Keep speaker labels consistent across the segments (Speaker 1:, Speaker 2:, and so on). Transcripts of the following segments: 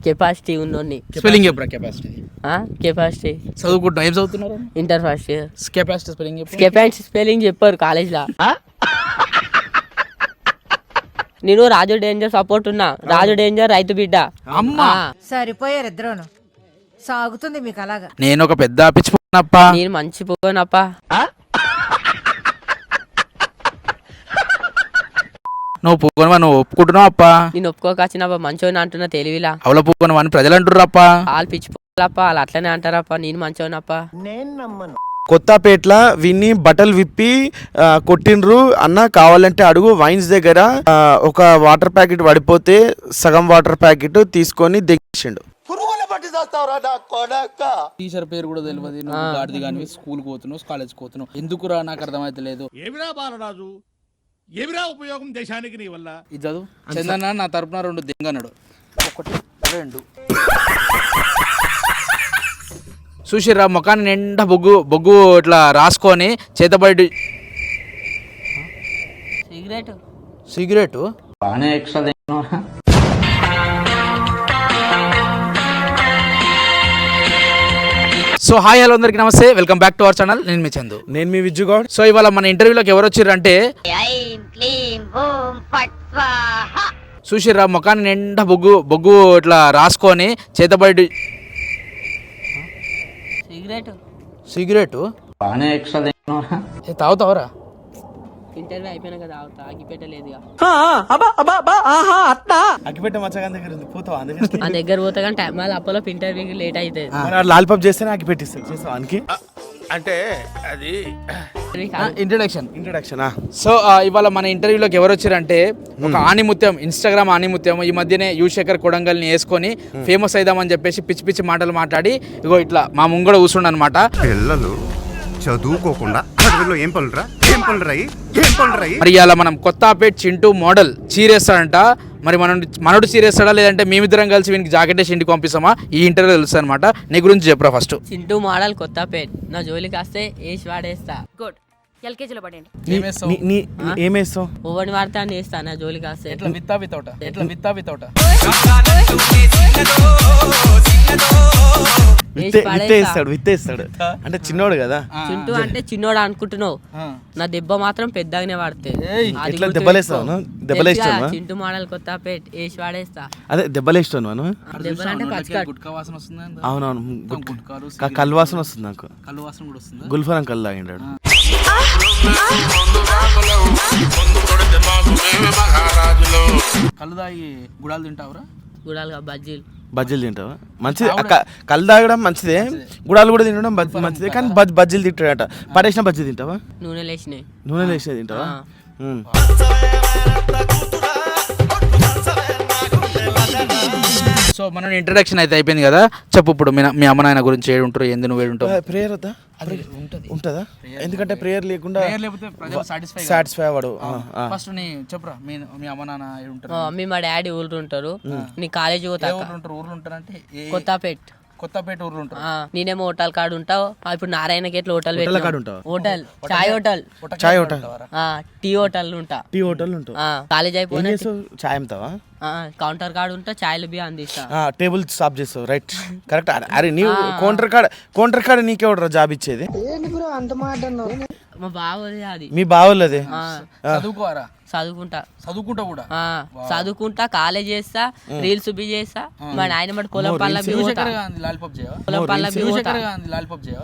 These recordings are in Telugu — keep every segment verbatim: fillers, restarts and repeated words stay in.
Speaker 1: కెపాసిటీ ఉన్నోని.
Speaker 2: స్పెల్లింగ్ చెప్పరా కెపాసిటీ.
Speaker 1: కెపాసిటీ
Speaker 2: చదువుకుంటున్నా. ఏం చదువుతున్నారు?
Speaker 1: Inter first year.
Speaker 2: Capacity spelling చెప్పు.
Speaker 1: కెపాసిటీ స్పెల్లింగ్ చెప్పారు కాలేజ్లో. నేను రాజు డేంజర్ సపోర్ట్ ఉన్నా. రాజు డేంజర్ రైతు బిడ్డ.
Speaker 2: అమ్మా
Speaker 3: సరిపోయారు ఇద్దరును. సాగుతుంది మీకు అలాగా.
Speaker 2: నేను ఒక పెద్ద పిచ్చిపోనప్ప.
Speaker 1: నేను మంచి పోనప్ప.
Speaker 2: నువ్వు పూకొనవా? నువ్వు ఒప్పుకుంటున్నావు అప్ప.
Speaker 1: నేను ఒప్పుకోకొచ్చినప్ప మంచోని అంటున్నా తెలివిలా.
Speaker 2: అవల పూకొనవా అని ప్రజలు అంటుర్రప్ప.
Speaker 1: వాళ్ళు పిచ్చిపోలప్ప, వాళ్ళు అట్లనే అంటారప్ప. నేను మంచోనప్ప.
Speaker 4: కొత్తపేట్ల విన్ని బట్టలు విప్పి కొట్టిండ్రు అన్న, కావాలంటే అడుగు. వైన్స్ దగ్గర ఒక వాటర్ ప్యాకెట్ పడిపోతే సగం వాటర్ ప్యాకెట్ తీసుకొని దిగేసిండు.
Speaker 2: టీచర్ పేరు కూడా తెలియదు. నువ్వు గాడిది కానీ స్కూల్ పోతున్నావు, కాలేజ్ పోతున్నావు. ఎందుకురా నాకు అర్థమైతే లేదు.
Speaker 5: ఏమిరా బాలరాజు, ఏమిరా ఉపయోగం దేశానికి నీ వల్ల?
Speaker 2: ఇది చదువు. చందన్న నా తరపున రెండు దింగన్నాడు. ఒకటి రెండు చూసిర్రా ముఖాన్ని నిండా బొగ్గు బొగ్గు ఇట్లా రాసుకొని చేతబడి.
Speaker 1: సిగరెట్
Speaker 2: సిగరెట్
Speaker 6: బాగానే ఎక్స్ట్రా.
Speaker 2: సో హాయ్ హలో అందరికి నమస్తే, welcome back to our channel. నేను మీ చందు.
Speaker 4: నేను మీ విజ్జుగౌడ్.
Speaker 2: సో ఇవాళ మన ఇంటర్వ్యూలోకి ఎవరు వచ్చారు అంటే చూసిర్రా ముఖాన్ని నిండా బొగ్గు బొగ్గు ఇట్లా రాసుకొని చేతబడి.
Speaker 1: సిగరెట్
Speaker 2: సిగరెట్
Speaker 6: బాగానే ఎక్స్ట్రా.
Speaker 2: తాగుతావరా?
Speaker 1: ఇంటర్వ్యూ అయిపోయినా కదా ఆగిపెట్టలేదుగా.
Speaker 4: అగ్గిపెట్ట మచ్చగా దగ్గర ఉంది, పోతావా? అందుకని
Speaker 1: ఆ దగ్గర పోతే కానీ టైం మళ్ళీ అప్పలో ఇంటర్వ్యూకి లేట్ అవుతుంది.
Speaker 4: లాలిపాప్ చేస్తేనే అగ్గిపెట్టిస్తాను. చేస్తావా అనికి?
Speaker 5: అంటే అది
Speaker 2: ఇంట్రడక్షన్
Speaker 4: ఇంట్రడక్షన్.
Speaker 2: సో ఇవాళ మన ఇంటర్వ్యూలోకి ఎవరు వచ్చారంటే ఒక ఆణిముత్యం, ఇన్స్టాగ్రామ్ ఆణిముత్యం. ఈ మధ్యనే యువశేఖర్ కొడంగల్ని వేసుకొని ఫేమస్ అయిదామని చెప్పేసి పిచ్చి పిచ్చి మాటలు మాట్లాడి ఇగో ఇట్లా మా ముంగడ కూర్చుండు అనమాట.
Speaker 7: పిల్లలు చదువుకోకుండా అడవిలో ఏం పనులురా ఏం పనులురా ఏం పనులురా.
Speaker 2: మరి ఇవాళ మనం కొత్తపేట్ చింటూ మోడల్ చీరేస్తాడంట. మరి మనం మనోడు చీరేస్తాడా లేదంటే మేమిద్దరం కలిసి వీనికి జాకెట్ వేసి ఇంటికి పంపిస్తామా? ఈ ఇంటర్వ్యూ తెలుస్తుంది అనమాట. నీ గురించి చెప్పరా ఫస్ట్.
Speaker 1: చింటూ మోడల్ కొత్తపేట్. నా జోలికి వస్తే వేసి వాడేస్తా.
Speaker 3: గుడ్. ఎల్కేజీలో పడండి.
Speaker 4: ఏమేస్తావు?
Speaker 1: ఓవని వాడితే అని వేస్తా. నా జోలికి వస్తే
Speaker 2: ఎట్లా విత్తా వితౌట ఎట్లా విత్తా వితౌట
Speaker 4: విత్తేస్తాడు విత్తేస్తాడు అంటే చిన్నోడు కదా.
Speaker 1: చింటూ అంటే చిన్నోడు అనుకుంటున్నావు, నా దెబ్బ మాత్రం పెద్దగానే వాడితే.
Speaker 4: ఎట్లా దెబ్బలేస్తాను? దెబ్బలేస్తాను.
Speaker 1: చింటూ మోడల్ కొత్తపేట్ వేసి వాడేస్తా.
Speaker 4: అదే దెబ్బలేస్తాను మనం.
Speaker 1: దెబ్బలంటే పచ్చకట్.
Speaker 2: గుట్కా వాసన వస్తుంది.
Speaker 4: అవునవును, కళ్ళు వాసన వస్తుంది నాకు.
Speaker 2: కళ్ళు వాసన కూడా వస్తుంది.
Speaker 4: గుల్ఫరం కళ్ళు తాగిండాడు.
Speaker 2: కళ్ళు తాగి గుడాలు తింటావురా?
Speaker 1: గుడాలుగా బజ్జీలు
Speaker 4: బజ్జీలు తింటావా? మంచిది. కళ్ళు తాగడం మంచిదే, గుడాలు కూడా తినడం మంచిదే. కానీ బజ్జీలు తింటాడట. పడేసిన బజ్జీ తింటావా?
Speaker 1: నూనె లేచినాయి.
Speaker 4: నూనె లేచినవి తింటావా?
Speaker 2: సో మన ఇంట్రడక్షన్ అయితే అయిపోయింది కదా. చెప్పు ఇప్పుడు మీ అమ్మ నాయన గురించి ఏడు ఉంటారు, ఎందు నువ్వు ఏడు ఉంటావు?
Speaker 4: ప్రేయర్ వద్దా? ఉంటుందా? ఎందుకంటే ప్రేయర్ లేకుండా సాటిస్ఫై అవ్వడు.
Speaker 2: ఫస్ట్ నీ చెప్పురా, మీ అమ్మ నాన్న ఏడు ఉంటారు?
Speaker 1: మమ్మీ మా డాడీ ఊళ్ళు ఉంటారు. నీ కాలేజీ పోతా.
Speaker 2: ఊర్లు ఉంటారంటే
Speaker 1: కొత్తపేట్.
Speaker 2: కొత్తపేట ఊర్లు ఉంటారు.
Speaker 1: నేనేమో హోటల్ కాడ ఉంటావు. ఇప్పుడు నారాయణకి ఎట్లా హోటల్
Speaker 4: ఉంటావు?
Speaker 1: హోటల్ చాయ్ హోటల్
Speaker 4: చాయ్ హోటల్
Speaker 1: టీ హోటల్ ఉంటా.
Speaker 4: టీ హోటల్ ఉంటావు.
Speaker 1: కాలేజ్ అయిపోయినా
Speaker 4: చాయ్ అమ్ముతావా?
Speaker 1: కౌంటర్ కార్డు ఉంటా, చాయ్లు బియ్యం అందిస్తా.
Speaker 4: టేబుల్ సాఫ్ చేస్తావు. Right, correct. అరే నీవు కౌంటర్ కార్డ్ కౌంటర్ కార్డ్ నీకెవడరా జాబ్ ఇచ్చేది?
Speaker 1: మా బావది అది.
Speaker 4: మీ బావోళ్ళదే.
Speaker 2: చదువుకోరా?
Speaker 1: చదువుకుంటా.
Speaker 2: చదువుకుంటా కూడా
Speaker 1: చదువుకుంటా, కాలేజ్ చేస్తా, రీల్స్ బి చేస్తా. మా నాయన బట్టి పొలం పళ్ళ
Speaker 2: లాలిపాప్ చేయవా?
Speaker 1: పొలం పళ్ళ
Speaker 2: లాలిపాప్ చేయవా?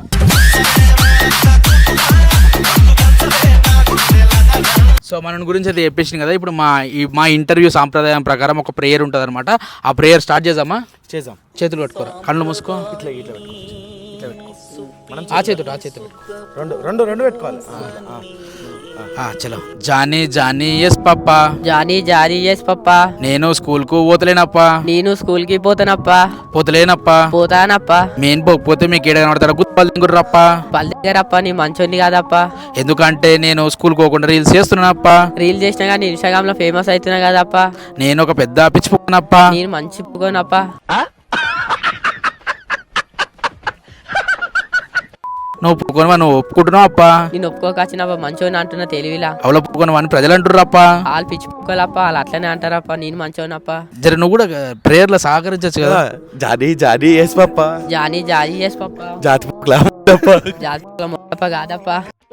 Speaker 2: సో మన గురించి అయితే చెప్పేసింది కదా. ఇప్పుడు మా ఈ మా ఇంటర్వ్యూ సాంప్రదాయం ప్రకారం ఒక ప్రేయర్ ఉంటుంది అనమాట. ఆ ప్రేయర్ స్టార్ట్ చేద్దామా?
Speaker 4: చేద్దాం.
Speaker 2: చేతులు కట్టుకోరా, కళ్ళు మూసుకో.
Speaker 4: ఇట్లా ఇట్లా పెట్టుకో. ఇట్లా పెట్టుకో.
Speaker 2: ఆ చేతుడు ఆ చేతుడు
Speaker 4: రెండు రెండు రెండు పెట్టుకోవాలి.
Speaker 2: చలో. Johny Johny yes papa,
Speaker 1: Johny Johny yes papa,
Speaker 2: నేను స్కూల్ కు పోతలేనప్పా,
Speaker 1: నేను స్కూల్ కి పోతానప్పా,
Speaker 2: పోతలేనప్పా,
Speaker 1: పోతానప్పా.
Speaker 2: మెయిన్ పోకపోతే మీకు ఏడ కనబడతారా? గుర్రప్ప
Speaker 1: పల్లె దగ్గరప్ప. నీ మంచోని కాదప్పా.
Speaker 2: ఎందుకంటే నేను స్కూల్ పోకుండా రీల్స్ చేస్తున్నానప్పా.
Speaker 1: రీల్ చేసినా కానీ ఇన్స్టాగ్రామ్ లో ఫేమస్ అవుతున్నా కదప్పా.
Speaker 2: నేను ఒక పెద్ద పిచ్చిపోనప్పా.
Speaker 1: నేను మంచి పుకోనప్పా.
Speaker 2: నువ్వు ఒప్పుకోనవా? నువ్వు ఒప్పుకుంటున్నావు అప్ప?
Speaker 1: నేను ఒప్పుకోకొచ్చినప్ప మంచోని అంటున్నా తెలివిలా.
Speaker 2: అవలు ఒప్పుకోనవా అని ప్రజలు అంటుర్రు అప్ప.
Speaker 1: వాళ్ళు పిచ్చి పుక్కలప్ప, వాళ్ళు అట్లనే అంటారప్ప. నేను మంచోనప్ప.
Speaker 2: జర నువ్వు కూడా ప్రేయర్ లో సహకరించచ్చు కదా.
Speaker 4: Johny Johny yes papa
Speaker 1: Johny Johny చేసి పప్ప.
Speaker 4: జాతి
Speaker 1: జాతి మొప్ప కాదప్ప.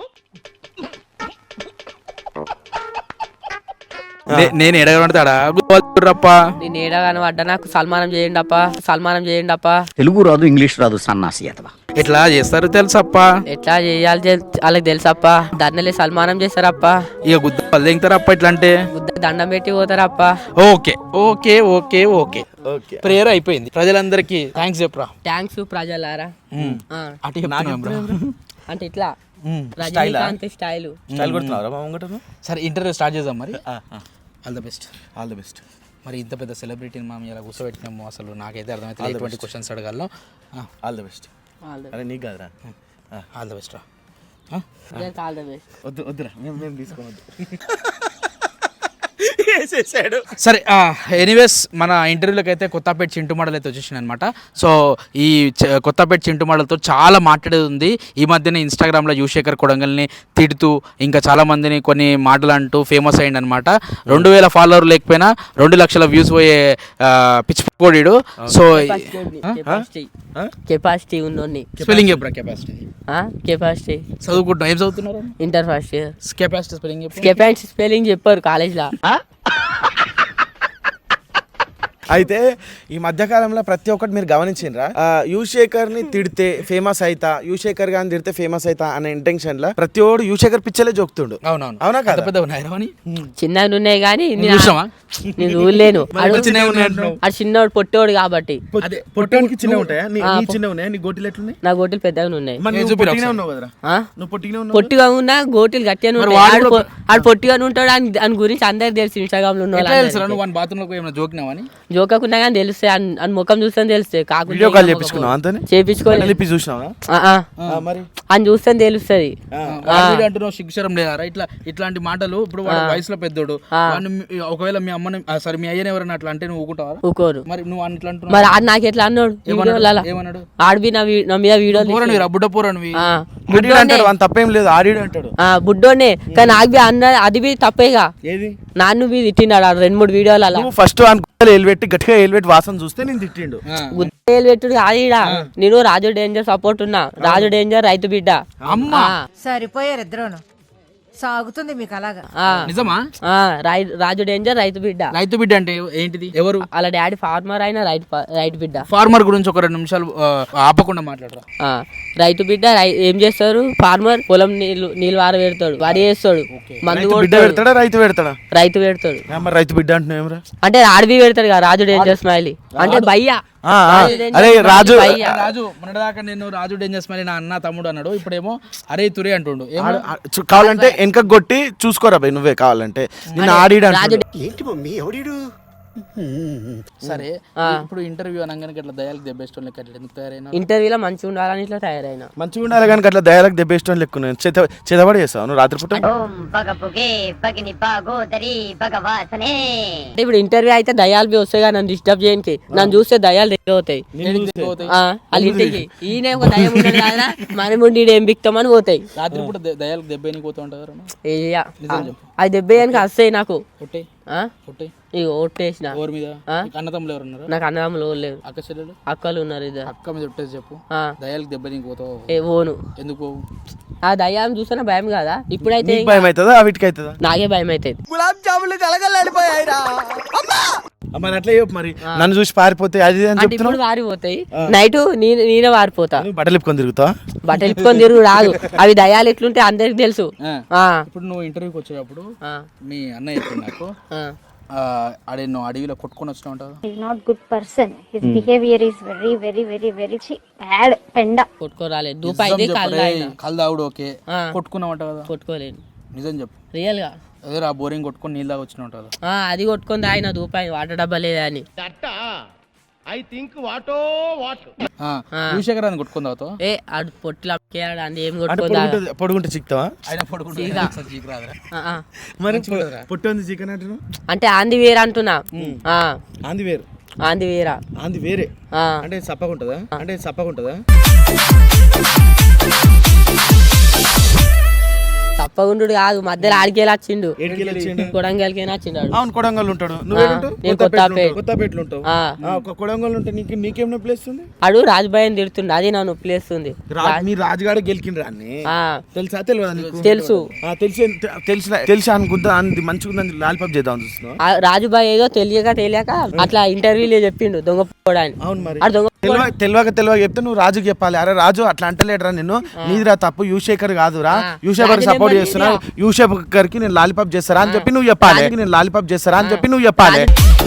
Speaker 2: నే- నేను ఎడగడతాడా గుర్రప్ప.
Speaker 1: నేను ఏడా కనబడ్డా నాకు సల్మానం చేయండి అప్ప, సల్మానం చేయండి అప్ప.
Speaker 6: తెలుగు రాదు ఇంగ్లీష్ రాదు సన్నాసి అతవా.
Speaker 2: ఎట్లా చేస్తారు తెలుసప్ప.
Speaker 1: ఎట్లా చేయాలి తెల్- వాళ్ళకి తెలుసప్ప. దండలే సల్మానం చేస్తారప్ప.
Speaker 2: ఇక గుద్ద పళ్ళు దింగుతారప్ప. ఇట్లా అంటే
Speaker 1: బుద్ధ దండం పెట్టి పోతారప్ప.
Speaker 2: Okay okay okay okay
Speaker 4: okay
Speaker 2: prayer అయిపోయింది. ప్రజలందరికీ థ్యాంక్స్ చెప్పరా.
Speaker 1: థ్యాంక్స్ ప్రజలారా. ఆ,
Speaker 2: అటు చెప్తున్నాం బ్రో.
Speaker 1: అంటే ఇట్లా
Speaker 2: ఉమ్.
Speaker 1: రజనీకాంత్ స్టైల్.
Speaker 4: స్టైల్ కొడుతున్నారా మా ముంగటను?
Speaker 2: సరే ఇంటర్వ్యూ స్టార్ట్ చేద్దాం మరి. All the best.
Speaker 4: All the best.
Speaker 2: మరి ఇంత పెద్ద సెలబ్రిటీని మనం ఇలా కూర్చోబెట్టినాము, అసలు నాకైతే అర్థమైతే ఎటువంటి క్వశ్చన్స్ అడగాలో.
Speaker 4: All the best. అరే నీకు కాదురా.
Speaker 2: ఆల్ ద బెస్ట్ రా.
Speaker 1: All the best.
Speaker 4: వద్దు వద్దురా మేము మేము తీసుకోవద్దు.
Speaker 2: సరే ఎనీవేస్ మన ఇంటర్వ్యూలోకి అయితే కొత్తపేట చింటు మోడల్ అయితే వచ్చేసింది అనమాట. సో ఈ చ- కొత్తపేట చింటు మోడల్తో చాలా మాట్లాడేది ఉంది. ఈ మధ్యనే ఇన్స్టాగ్రామ్లో యువశేఖర్ కొడంగల్ని తిడుతూ ఇంకా చాలా మందిని కొన్ని మాటలు అంటూ ఫేమస్ అయ్యింది అనమాట. రెండు వేల ఫాలోవర్ లేకపోయినా రెండు లక్షల వ్యూస్ పోయే పిచ్చిపోడీడు. సో
Speaker 1: కెపాసిటీ ఉన్నోని.
Speaker 2: స్పెల్లింగ్ చెప్పరా కెపాసిటీ.
Speaker 1: కెపాసిటీ
Speaker 2: చదువుకుంటున్నాం. ఏం చదువుతున్నారు?
Speaker 1: Inter first year.
Speaker 2: Capacity spelling చెప్పు.
Speaker 1: కెపాసిటీ స్పెల్లింగ్ చెప్పారు కాలేజ్లో.
Speaker 4: అయితే ఈ మధ్యకాలంలో ప్రతి ఒక్కటి మీరు గమనించిండ్రా, యువశేఖర్ ని తిడితే ఫేమస్ అయితా, యువశేఖర్ గాని తిడితే ఫేమస్ అయితా అనే ఇంటెన్షన్ లో ప్రతి ఒడు యువశేఖర్ పిచ్చలే జోకుతుండు.
Speaker 2: అవునవును.
Speaker 4: అవునా
Speaker 2: పెద్ద
Speaker 4: కదా?
Speaker 2: పెద్ద ఉన్నాయి రావని.
Speaker 1: చిన్నగా ఉన్నాయి కానీ
Speaker 2: నువ్వు చూసావా?
Speaker 1: నేను చూడలేను.
Speaker 2: మరి చిన్నగా ఉన్నాయి అంటున్నావు.
Speaker 1: అది చిన్నోడు పొట్టోడు కాబట్టి.
Speaker 2: అదే
Speaker 4: పొట్టానికి చిన్న ఉంటాయా? నీ
Speaker 1: ఆ,
Speaker 4: నీ చిన్న ఉన్నాయా? నీ గోటీలు ఎట్లున్నాయి?
Speaker 1: నా గోటీలు పెద్దగా ఉన్నాయి.
Speaker 4: మరి
Speaker 2: నేను
Speaker 4: నువ్వు
Speaker 2: చూపిరా
Speaker 4: పొట్టిగానే
Speaker 2: ఒకసారి.
Speaker 4: ఉన్నావు కదరా.
Speaker 1: ఆ?
Speaker 4: నువ్వు పొట్టిగానే ఉన్నావు.
Speaker 1: పొట్టిగా ఉన్నా గోటీలు గట్టిగా
Speaker 2: మరి
Speaker 1: ఉంటాయి.
Speaker 2: వాడు
Speaker 1: ఆడు
Speaker 2: కూడా-
Speaker 1: పొ- ఆడు పొట్టిగా ఉంటాడు అని దాని గురించి అందరికి తెలుసు. ఇన్స్టాగ్రామ్ లో ఉన్న
Speaker 2: ఎట్లా తెలుసు రా
Speaker 1: వాళ్ళు
Speaker 2: నువ్వు బాత్రూంలోకి ఏమైనా జోకినావని?
Speaker 1: జోకకున్నా కానీ తెలుస్తాయి. అని- అని ముఖం చూస్తే తెలుస్తాయి. కాకుండా
Speaker 4: వీడియో కాల్ చేపించుకున్నావు అంతనే?
Speaker 1: చేపించుకోవాలి.
Speaker 4: కలిపి చూసినావా? మరి
Speaker 1: అని చూస్తే తెలుస్తుంది.
Speaker 2: వాడి అంటున్నావు శిక్షరం లేదా? ఇట్లా ఇట్లాంటి మాటలు ఇప్పుడు వాడు వయసులో పెద్దోడు. వాడిని మీ- ఒకవేళ మీ అమ్మని సరే మీ అయ్యని ఎవరైనా అట్లా అంటే నువ్వు ఊకుంటావా?
Speaker 1: ఊకోరు.
Speaker 2: మరి నువ్వు అట్లా అంటున్నావు.
Speaker 1: మరి ఆడు నాకు ఎట్లా అన్నాడు ఈ వీడియోలలో?
Speaker 2: ఏమన్నాడు?
Speaker 1: ఆడివి నా వీ- నా మీద వీడియోలు
Speaker 2: పోరనివి రా, బుడ్డ పోరనివి.
Speaker 1: ఆ,
Speaker 4: ఆడిడు
Speaker 1: బుడ్డోనే.
Speaker 4: అంటాడు, వాని తప్పేం లేదు, ఆడిడు అంటాడు.
Speaker 1: ఆ, బుడ్డోనే. కానీ నాకు బి అన్న అది బి తప్పేగా.
Speaker 4: ఏది?
Speaker 1: నాన్ను బి తిట్టినాడు ఆడు రెండు మూడు వీడియోలు అలా.
Speaker 4: నువ్వు ఫస్ట్ అనుకుంటే ఏలుపెట్టి గట్టిగా ఏలుపెట్టి వాసన చూస్తే నేను తిట్టిండు.
Speaker 2: ఆ.
Speaker 1: గుద్దేలు పెట్టుడు ఆడిడా. నేను రాజు డేంజర్ సపోర్ట్ ఉన్నా. రాజు డేంజర్ రైతు బిడ్డ.
Speaker 2: అమ్మా
Speaker 1: ఆ,
Speaker 3: సరిపోయారు ఇద్దరును. సాగుతుంది మీకు అలాగా.
Speaker 1: ఆ,
Speaker 2: నిజమా?
Speaker 1: ఆ, రై- రాజు డేంజర్ రైతు బిడ్డ.
Speaker 2: రైతు బిడ్డ అంటే ఏంటిది? ఎవరు?
Speaker 1: వాళ్ళ డాడీ ఫార్మర్ అయినా రైతు ప- రైతు బిడ్డ.
Speaker 2: ఫార్మర్ గురించి ఒక రెండు నిమిషాలు ఆ, ఆపకుండా మాట్లాడరా.
Speaker 1: ఆ, రైతు బిడ్డ రై- ఏం చేస్తారు? ఫార్మర్ పొలం నీళ్ళు నీళ్ళు వార పెడతాడు, వరి వేస్తాడు, మందు
Speaker 4: రైతు బిడ్డ
Speaker 1: కొడతాడు,
Speaker 4: పెడతాడా రైతు పెడతాడా?
Speaker 1: రైతు పెడతాడు.
Speaker 4: ఆ, మరి రైతు బిడ్డ అంటున్నావు ఏమరా?
Speaker 1: అంటే ఆడవి పెడతాడు కదా రాజు డేంజర్ స్మైలీ. అంటే భయ్యా
Speaker 4: ఆ, ఆ. అరే రాజు
Speaker 1: భయ్యా.
Speaker 2: రాజు మొన్నటిదాకా నేను రాజు డేంజర్స్ మరి నా అన్న తమ్ముడు అన్నాడు. ఇప్పుడేమో అరే తురే అంటుండు. ఏమో
Speaker 4: ఆడు- ఆ, చూ- కావాలంటే వెనక కొట్టి చూసుకోరా భయ్ నువ్వే కావాలంటే. నిన్న ఆడిడు
Speaker 1: రాజు
Speaker 4: అంటాడు.
Speaker 2: సరే
Speaker 1: ఆ.
Speaker 2: ఇప్పుడు ఇంటర్వ్యూ అనగానే ఇట్లా దయాలకు దెబ్బేస్ట్ లెక్క అట్లా ఎందుకు తయారైనా?
Speaker 1: ఇంటర్వ్యూలో మంచిగా ఉండాలని ఇట్లా తయారైన.
Speaker 4: మంచిగా ఉండాలి కానీ అట్లా దయాలకు దెబ్బేష్టం లెక్కున్నాను. చేత చేతబడి చేస్తావు నువ్వు రాత్రిపూట?
Speaker 8: ఓం పగపుగే పగిని పాగోదరి భగవాసనే.
Speaker 1: అంటే ఇప్పుడు ఇంటర్వ్యూ అయితే దయాలు బి వస్తాయి కదా నన్ను డిస్టర్బ్ చేయడానికి. నన్ను చూస్తే దయాలు దగ్గర అవుతాయి.
Speaker 2: ఏడికి దెబ్బ పోతాయి?
Speaker 1: ఆ, వాళ్ళ ఇంటికి ఈయన ఒక దయ ఉండదు కదా మనం ఉండి ఈడ ఏం బిక్తామని పోతాయి.
Speaker 2: రాత్రిపూట ద- దయాలకు దెబ్బ ఎనికి పోతా ఉంటారు.
Speaker 1: ఏయ్యా. అది దెబ్బేయడానికి వస్తాయి నాకు.
Speaker 2: కొట్టే
Speaker 1: ఆ?
Speaker 2: కొట్టే
Speaker 1: ఇక ఓట్టేసిన.
Speaker 2: ఓవర్ మీద
Speaker 1: ఆ?
Speaker 2: నీకు అన్నతమ్ములు ఎవరు ఉన్నారు?
Speaker 1: నాకు అన్నదమ్ములు ఎవరు లేరు.
Speaker 2: అక్క చెల్లెలు
Speaker 1: అక్కలు ఉన్నారు ఇద్దరు.
Speaker 2: అక్క మీద ఒట్టేసి చెప్పు.
Speaker 1: ఆ,
Speaker 2: దయాలకు దెబ్బ నీకు పోతావు.
Speaker 1: ఏ ఓను.
Speaker 2: ఎందుకు పోవు?
Speaker 1: ఆ దయ్యాన్ని చూస్తున్న భయం కదా. ఇప్పుడైతే
Speaker 4: నీకు భయం అవుతుందా వీటికి అవుతుందా?
Speaker 1: నాకే భయం అవుతుంది.
Speaker 4: మరి అట్లా చెప్పు మరి. నన్ను చూసి పారిపోతే అది ఇది అని
Speaker 1: అంటే ఇప్పుడు
Speaker 4: చెప్తున్నావు.
Speaker 1: వారిపోతాయి. నైట్ నేనే వారిపోతా.
Speaker 4: నువ్వు బట్టలు ఇప్పుకొని తిరుగుతావా?
Speaker 1: బట్టలు ఇప్పుకొని తిరుగు రాదు. అవి దయ్యాలు ఎట్లుంటే అందరికి తెలుసు.
Speaker 2: ఆ.
Speaker 1: ఆ,
Speaker 2: ఇప్పుడు నువ్వు ఇంటర్వ్యూకి వచ్చేటప్పుడు
Speaker 1: ఆ,
Speaker 2: మీ అన్న చెప్పింది నాకు
Speaker 1: ఆ.
Speaker 2: ఆ, ఆడే నువ్వు అడవిలో కొట్టుకొని వచ్చినా ఉంటావు.
Speaker 8: He's not good person. His behavior is very, very, very, very chi- bad. Penda.
Speaker 1: కొట్టుకోరాలే. దూపాయితే కాళ్ళు తాగిన.
Speaker 2: కళ్ళు తాగుడు ఓకే,
Speaker 1: ఆ.
Speaker 2: కొట్టుకున్నావు అంట కదా.
Speaker 1: కొట్టుకోలేను
Speaker 2: నిజం చెప్పు.
Speaker 1: రియల్ గా.
Speaker 2: అదే ఆ బోరింగ్ కొట్టుకొని నీళ్ళు తాగి వచ్చిన ఉంటావు కదా.
Speaker 1: ఆ, అది కొట్టుకొని తాగిన దూపాయి వాటర్ డబ్బా లేదా అని.
Speaker 5: ఐ థింక్ వాటో వాట్
Speaker 2: ఆ,
Speaker 1: ఆ.
Speaker 2: యువశేఖర్ అని కొట్టుకొని తాగుతావు.
Speaker 1: ఏ ఆడు పొట్టిలా అని ఏం
Speaker 4: అంటే
Speaker 1: కొట్టుకొని తాగ.
Speaker 4: పొడుగుంటే పొడుగుంటే చిక్తావా?
Speaker 2: ఆయన పడుకుంటే
Speaker 1: చీకా.
Speaker 2: అసలు చీకు రాదురా.
Speaker 1: ఆ, ఆ.
Speaker 4: మరి పొట్టి ఉంది చికెన్ అంటున్నావు.
Speaker 1: అంటే ఆంది వేరే అంటున్నా. ఆ,
Speaker 4: ఆంది వేరు
Speaker 1: ఆంది వేరా.
Speaker 4: ఆంది వేరే
Speaker 1: ఆ,
Speaker 4: అంటే చప్పకుంటుందా? అంటే చప్పకుంటుందా?
Speaker 1: తప్పకుండా కాదు మధ్యలో ఆడికేలా వచ్చిండు
Speaker 4: ఏడికెళ్ళి వచ్చిండు?
Speaker 1: కొడంగల్కేనా వచ్చిండు ఆడు.
Speaker 4: అవును కొడంగల్ ఉంటాడు నువ్వేంటావు
Speaker 1: నేను కొత్తపేట.
Speaker 4: కొత్తపేటలో ఉంటావు
Speaker 1: ఆ.
Speaker 4: ఆ, ఒక కొడంగల్ ఉంటే నీకు నీకేం నొప్పి లేస్తుంది?
Speaker 1: ఆడు రాజుబాయిని తిడుతుండు అది నా నొప్పి లేస్తుంది.
Speaker 4: రా- మీ రాజుగాడు గెలికిండ్రా అన్ని
Speaker 1: ఆ,
Speaker 4: తెలుసా తెలియదా నీకు?
Speaker 1: తెలుసు.
Speaker 4: ఆ, తెలిసి తెలిసి తెలిసి అనుకుంటా అంది మంచిగా ఉందని లాలిపాప్ చేద్దాం చూస్తున్నావు.
Speaker 1: ఆ రాజుబాయి ఏదో తెలియక తెలియక అట్లా ఇంటర్వ్యూలో చెప్పిండు దొంగ పోడాని.
Speaker 4: అవును మరి
Speaker 1: ఆడు దొంగ
Speaker 4: తెలివ తెలియక తెలియక చెప్తే నువ్వు రాజుకి చెప్పాలి. అరే రాజు అట్లా అంటలేడురా నిన్ను, నీదిరా తప్పు, యూశేఖర్ కాదురా, యూశేఖర్
Speaker 1: రాజు
Speaker 4: సపోర్ట్
Speaker 1: నెంబర్
Speaker 4: చేస్తున్నా, యూశేఖర్ కి నేను లాలిపాప్ చేస్తారా అని చెప్పి నువ్వు చెప్పాలి. నేను లాలిపాప్ చేస్తారా అని చెప్పి నువ్వు చెప్పాలి.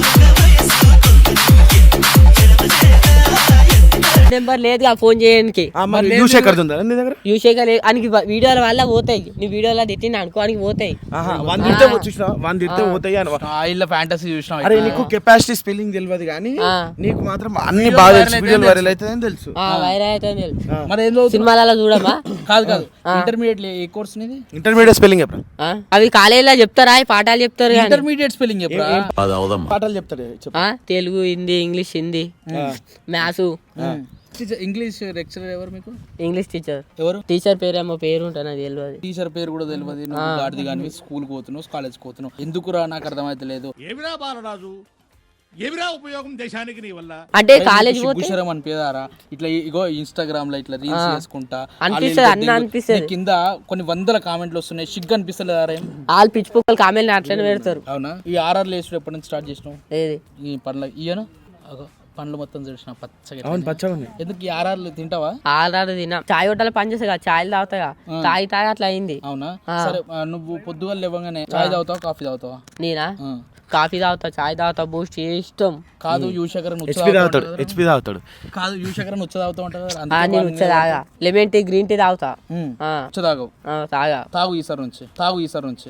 Speaker 1: నెంబర్ లేదుగా ఫోన్ చేయడానికి.
Speaker 4: ఆ, మరి యూశేఖర్ ఉందా నీ దగ్గర?
Speaker 1: యూసేగా అనికి వీడియోల వల్ల పోతాయి. నీ వీడియోలో తిట్టిన అనుకో అనికి పోతాయి.
Speaker 4: ఆహా, వన్ తిడితే చూసినా వన్ తిడితే పోతాయి అని.
Speaker 2: ఇళ్ళ ఫ్యాంటసీ చూసినాం.
Speaker 4: అరే నీకు కెపాసిటీ స్పెల్లింగ్ తెలియదు కానీ
Speaker 1: ఆ.
Speaker 4: నీకు మాత్రం అన్ని బాగా తెలుసు, వీడియోలు వైరల్ అవుతుందని తెలుసు.
Speaker 1: ఆ, వైరల్ అయితే తెలుసు.
Speaker 2: మరి ఏం చదువుతున్నావు?
Speaker 1: సినిమాలలో చూడమా?
Speaker 2: కాదు కాదు ఇంటర్మీడియట్ ఏ కోర్స్ నీది?
Speaker 4: ఇంటర్మీడియట్ స్పెల్లింగ్ చెప్పరా?
Speaker 1: ఆ? అవి కాలేజీలో చెప్తారా? ఈ పాఠాలు చెప్తారు కానీ.
Speaker 2: ఇంటర్మీడియట్ స్పెల్లింగ్ చెప్పరా?
Speaker 4: పాఠాలు చెప్తాడు చెప్పు.
Speaker 1: ఆ? Telugu, Hindi, English, Hindi, maths,
Speaker 2: English lecturer ఎవరు మీకు?
Speaker 1: English teacher.
Speaker 2: ఎవరు?
Speaker 1: టీచర్ పేరు ఏమో పేరు ఉంటుంది నాకు తెలియదు.
Speaker 2: టీచర్ పేరు కూడా తెలియదు. నువ్వు గాడిది కానీ స్కూల్ పోతున్నావు, కాలేజ్ పోతున్నావు, ఎందుకురా నాకు అర్థమైతే లేదు.
Speaker 5: ఏమిరా బాలరాజు ఏమిరా ఉపయోగం దేశానికి నీ వల్ల?
Speaker 1: అంటే కాలేజ్ పోతే
Speaker 2: గుషరం అనిపించారా? ఇట్లా ఇగో ఇన్స్టాగ్రామ్ లో ఇట్లా రీల్స్ చేసుకుంటా
Speaker 1: అనిపిస్తుంది, అన్న అనిపిస్తుంది.
Speaker 2: నీ కింద కొన్ని వందల కామెంట్లు వస్తున్నాయి, సిగ్గు అనిపిస్తలేదా?
Speaker 1: వాళ్ళు పిచ్చి పుక్కలు కామెంట్లు అట్లనే పెడతారు.
Speaker 2: అవునా? ఈ ఆర్ఆర్ లేసుడు ఎప్పటి నుంచి స్టార్ట్ చేసినావు?
Speaker 1: ఏది
Speaker 2: ఈ పండ్ల ఇయ్యను పండ్లు మొత్తం చూసిన పచ్చగా.
Speaker 4: అవును పచ్చగా ఉంది.
Speaker 2: ఎందుకు ఈ ఆర్ఆర్లు తింటావా?
Speaker 1: ఆల్రెడీ తిన్నా. చాయ్ హోటల్ పని చేస్తా కదా, చాయ్ తాగుతాగా, తాగి తాగి అట్లా అయింది.
Speaker 2: అవునా? సరే ఆ, నువ్వు పొద్దుగాల లేవగానే చాయ్ తాగుతావా కాఫీ తాగుతావా?
Speaker 1: నేనా
Speaker 2: ఆ.
Speaker 1: కాఫీ తాగుతా, చాయ్ తాగుతా, బూస్ట్ ఇష్టం.
Speaker 2: కాదు యూశేఖర్
Speaker 4: హెచ్పి తాగుతాడు, హెచ్పి తాగుతాడు.
Speaker 2: కాదు యూశేఖర్ నుచ్చ తాగుతా ఉంటావు కదా,
Speaker 1: ఆ, నేను ఉచ్చ తాగా, లెమన్ టీ, గ్రీన్ టీ తాగుతా. ఆ,
Speaker 2: ఉచ్చ తాగవు.
Speaker 1: ఆ, తాగా.
Speaker 2: తాగు ఈసారి నుంచి, తాగు ఈసారి నుంచి.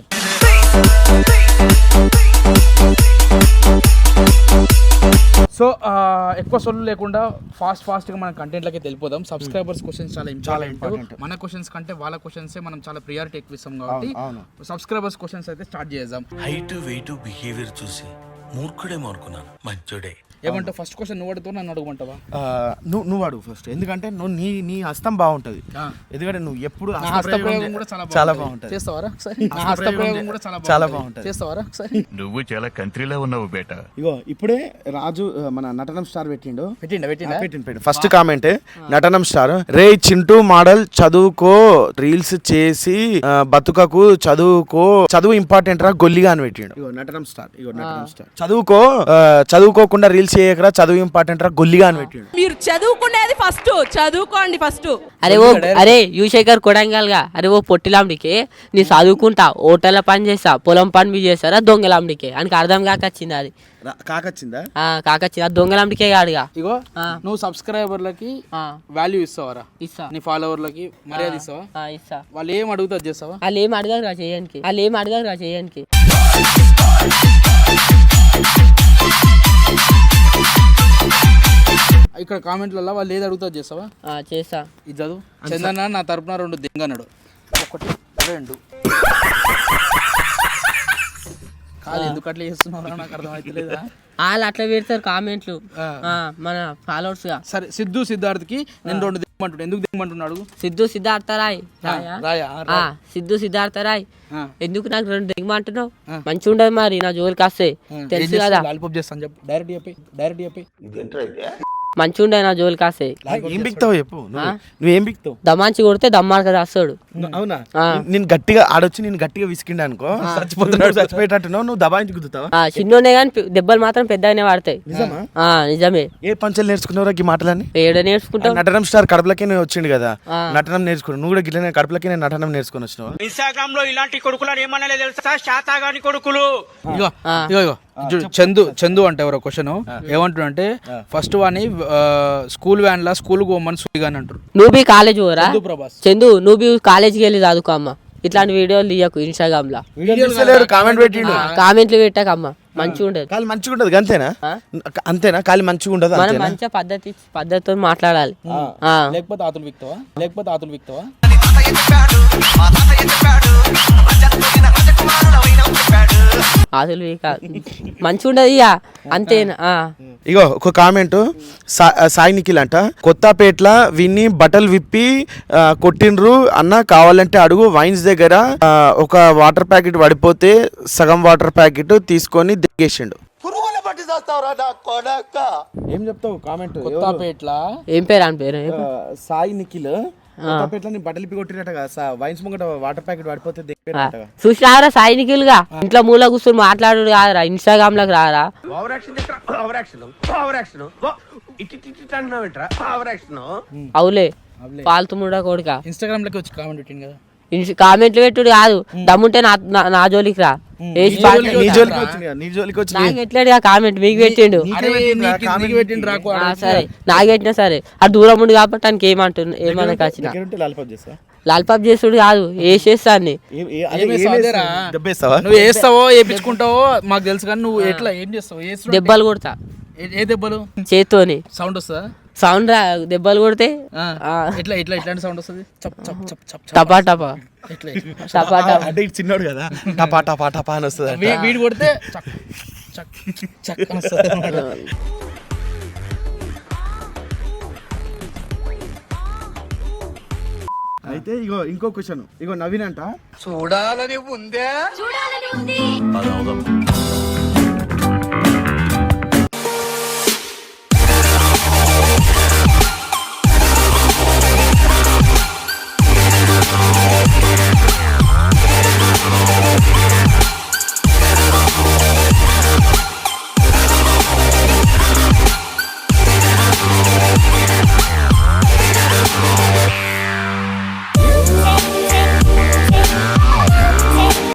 Speaker 2: సో ఎక్కువ సొల్లు లేకుండా ఫాస్ట్ ఫాస్ట్గా మన కంటెంట్లకి వెళ్ళిపోదాం. సబ్స్క్రైబర్స్ క్వశ్చన్స్ చాలా ఇంపార్టెంట్. మన క్వశ్చన్స్ కంటే వాళ్ళ క్వశ్చన్సే మనం చాలా ప్రియారిటీ ఎక్కువ ఇస్తాం కాబట్టి సబ్స్క్రైబర్స్ క్వశ్చన్స్ అయితే స్టార్ట్ చేద్దాం.
Speaker 9: హైట్ వెయిట్ బిహేవియర్ చూసి మూర్ఖుడేమో అనుకున్నాను, మంచోడే.
Speaker 2: ఏమంటావు? ఫస్ట్ క్వశ్చన్ నువ్వు అడుగుతావు, నన్ను అడగమంటావా?
Speaker 4: నువ్వు నువ్వు అడుగు ఫస్ట్, ఎందుకంటే నువ్వు నీ నీ హస్తం బాగుంటది. ఎందుకంటే నువ్వు ఎప్పుడు
Speaker 2: నా హస్తప్రయోగం కూడా చాలా
Speaker 4: చాలా
Speaker 2: బాగుంటది.
Speaker 4: బాగుంటది.
Speaker 2: చేస్తావారా ఒకసారి? నా హస్తప్రయోగం కూడా చాలా
Speaker 4: చాలా
Speaker 2: బాగుంటది.
Speaker 4: బాగుంటది.
Speaker 2: చేస్తావారా ఒకసారి?
Speaker 9: నువ్వు చాలా కంట్రీలో ఉన్నావు బేట.
Speaker 4: ఇగో ఇప్పుడే రాజు ఆ, మన నటనం స్టార్ పెట్టిండు.
Speaker 2: పెట్టిండా పెట్టిండా
Speaker 4: పెట్టిండు పెట్టిండు ఫస్ట్ కామెంట్ నటనం స్టార్, రే చింటూ మోడల్ చదువుకో, రీల్స్ చేసి ఆ, బతుకకు, చదువుకో, చదువు ఇంపార్టెంట్ రా గొల్లిగా అని పెట్టిండు. ఇగో నటనం స్టార్, ఇగో నటనం స్టార్, చదువుకో, ఆ, చదువుకోకుండా రీల్స్ చేయకరా, చదువు ఇంపార్టెంట్ రా గొల్లిగా అని పెట్టిండు.
Speaker 10: మీరు చదువుకునేది ఫస్ట్ చదువుకోండి ఫస్ట్.
Speaker 1: అరే ఓ అరే యూశేఖర్ కొడంగల్గా, అరే ఓ పొట్టిలాంబడికి నీ చదువుకుంటా, హోటల్లో పని చేస్తా, పొలం పని మీ చేస్తారా, దొంగలాంబడికి అని అర్థం కాకొచ్చింది. అది
Speaker 4: కాకొచ్చిందా?
Speaker 1: ఆ, కాకొచ్చింది. అది దొంగలాంబడికే కాదుగా.
Speaker 2: ఇగో నువ్వు సబ్స్క్రైబర్లకి వాల్యూ ఇస్తావరా?
Speaker 1: ఇస్తా.
Speaker 2: నీ ఫాలోవర్లకి మర్యాద ఇస్తావా?
Speaker 1: ఆ, ఇస్తా.
Speaker 2: వాళ్ళు ఏం అడుగుతా చేస్తావా?
Speaker 1: వాళ్ళు ఏం అడగారు రా చేయడానికి, వాళ్ళు ఏం అడగారు రా చేయడానికి.
Speaker 2: ఇక్కడ కామెంట్లలో వాళ్ళు ఏది అడుగుతా చేస్తావా?
Speaker 1: ఆ, చేస్తా.
Speaker 2: ఇది చదువు. చందన్న నా తరపున రెండు దింగన్నాడు. ఒకటి రెండు కాదు, ఎందుకు అట్లా చేస్తున్నావు నాకు అర్థమవుతలేదా?
Speaker 1: వాళ్ళు అట్లా పెడతారు కామెంట్లు ఆ, మన ఫాలోవర్స్ గా.
Speaker 2: సరే సిద్ధు సిద్ధార్థ్కి నేను రెండు దిగమంటున్నాడు. ఎందుకు దిగమంటున్నాడు?
Speaker 1: సిద్ధు సిద్ధార్థ రాయ్ రాయా?
Speaker 2: రాయా
Speaker 1: ఆ, సిద్ధు సిద్ధార్థ రాయ్.
Speaker 2: ఆ.
Speaker 1: ఎందుకు నాకు రెండు దిగమంటున్నావు? మంచిగా ఉండదు మరి నా జోలికి వస్తే, తెలుసు కదా.
Speaker 2: లాలిపాప్ చేస్తాను చెప్పు, డైరెక్ట్ చెప్పి డైరెక్ట్ చెప్పి
Speaker 1: మంచిగా ఉండదు నా జోలికి వస్తే.
Speaker 4: ఏం బిక్తావు చెప్పు, నువ్వు నువ్వేం బిక్తావు?
Speaker 1: దమాంచి కొడితే దమ్మార్క రాస్తాడు.
Speaker 4: అవునా? నేను గట్టిగా ఆడొచ్చి నేను గట్టిగా విసికిండా అనుకో, చచ్చిపోతున్నాడు, చచ్చిపోయేటట్టున్నావు, నువ్వు దబాయించి గుద్దుతావా?
Speaker 1: ఆ, చిన్నోనే కానీ దెబ్బలు మాత్రం పెద్దగానే పడతాయి.
Speaker 4: నిజమా?
Speaker 1: ఆ, నిజమే.
Speaker 4: ఏ పంచలు నేర్చుకున్నావురా ఈ మాటలన్నీ?
Speaker 1: ఏడ నేర్చుకుంటావు?
Speaker 4: నటనం స్టార్ కడపలకే నేను వచ్చిండు కదా, నటనం నేర్చుకున్నాను. నువ్వు కూడా గిట్లనే కడపలకే నేను నటనం నేర్చుకుని వచ్చినావు.
Speaker 11: ఇన్స్టాగ్రామ్ లో ఇలాంటి కొడుకులని ఏమన్నా తెలుసా? శాతాగాని కొడుకులు.
Speaker 2: ఇగో ఇగో ఇగో చూడు, చందు చందు అంటే ఎవరో క్వశ్చన్ ఏమంటున్నా అంటే ఫస్ట్ వాని స్కూల్ వ్యాన్ లా స్కూల్ పోమని సుడిగాని అంటారు.
Speaker 1: నువ్వు బి కాలేజ్ పోరా
Speaker 2: చందు ప్రభాస్.
Speaker 1: చందు, నువ్వు బి కాలేజ్కి వెళ్ళి చదువుకో అమ్మ. ఇట్లాంటి వీడియోలు తీయకు ఇన్స్టాగ్రామ్ లో.
Speaker 4: కామెంట్ పెట్టిండు,
Speaker 1: కామెంట్లు పెట్టకమ్మ, మంచిగా ఉండదు.
Speaker 4: కాలి మంచిగా ఉండదు అంతేనా? అంతేనా? కాలి మంచిగా ఉండదు
Speaker 1: మనం
Speaker 4: అంతేనా?
Speaker 1: మంచిగా పద్ధతి పద్ధతితో మాట్లాడాలి.
Speaker 2: లేకపోతే ఆతులు విక్తావా? లేకపోతే ఆతులు విక్తావా?
Speaker 1: అసలు ఇక మంచిగా ఉండదు ఇక అంతేనా ఆ.
Speaker 4: ఇగో ఒక కామెంట్ సా సాయి నిఖిల్ అంట కొత్తపేట్ల విన్ని బట్టలు విప్పి ఆ, కొట్టిండ్రు అన్న కావాలంటే అడుగు వైన్స్ దగ్గర ఆ, ఒక వాటర్ ప్యాకెట్ పడిపోతే సగం వాటర్ ప్యాకెట్ తీసుకొని దిగేసిండు. ఏం చెప్తావు కామెంట్?
Speaker 2: కొత్తపేట్ల
Speaker 1: ఏం పేరు అని పేరు ఏం పేరు?
Speaker 4: సాయి నిఖిల్ కొత్తపేట్ల బట్టలు విప్పి కొట్టినట్టుగా వైన్స్ ముంగట వాటర్ ప్యాకెట్ పడిపోతే దిగిపోయినట్టుగా.
Speaker 1: చూసినారా సాయి నిఖిల్గా ఇంట్లో మూల కూర్చొని మాట్లాడు కాదురా ఇన్స్టాగ్రామ్ లకు రారా అవులే పాల్తు ముడా కొడుక
Speaker 2: ఇన్స్టాగ్రామ్ లోకి వచ్చి కామెంట్ పెట్టింది కదా.
Speaker 1: కామెంట్లు పెట్టుడు కాదు దమ్ముంటే నా నా- నా జోలికి రా వేసి పాట
Speaker 4: నీ జోలికి వచ్చింది కదా, నీ జోలికి వచ్చింది.
Speaker 1: నాకు ఎట్లాడు కామెంట్ మీకు పెట్టిండు
Speaker 2: అరే నీకు- నీకు పెట్టిండు రాకు
Speaker 1: ఆ, సరే నాకు పెట్టినా సరే అది దూరం ఉండి కాబట్టి ఆయనకి ఏమంటు ఏమనకు వచ్చిన
Speaker 4: దగ్గర ఉంటే లాలిపాప్ చేస్తా.
Speaker 1: లాల్పాప్ చేసుడు కాదు వేసేస్తాన్ని
Speaker 4: ఏ- ఏ- అదే
Speaker 2: ఏమేస్తావు
Speaker 4: ఏం
Speaker 2: అదేరా?
Speaker 4: వేస్తావు? దెబ్బేస్తావా?
Speaker 2: నువ్వు వేస్తావో వేయించుకుంటావో మాకు తెలుసు కానీ నువ్వు ఎట్లా ఏం చేస్తావు? వేస్తున్నావు అంటే
Speaker 1: దెబ్బలు కొడతా
Speaker 2: ఏ- ఏ దెబ్బలు?
Speaker 1: చేత్తోని
Speaker 2: సౌండ్ వస్తుందా?
Speaker 1: సౌండ్ రా దెబ్బలు కొడితే
Speaker 2: ఆ.
Speaker 1: ఆ,
Speaker 2: ఎట్లా ఎట్లా ఎట్లాంటి సౌండ్ వస్తుంది? చప్ చప్ చప్ చప్ చప్.
Speaker 1: టపా టపా
Speaker 2: ఎట్లా ఎట్లా?
Speaker 1: టపా టపా
Speaker 4: అంటే ఇటు చిన్నోడు కదా టపా టపా టపా అని వస్తుంది అంట.
Speaker 2: వీ- వీడు కొడితే చక్ చక్ చక్ అని వస్తుంది అన్నమాట.
Speaker 4: అయితే ఇగో ఇంకో క్వశ్చన్ ఇగో నవీన్ అంట
Speaker 9: చూడాలని ఉందే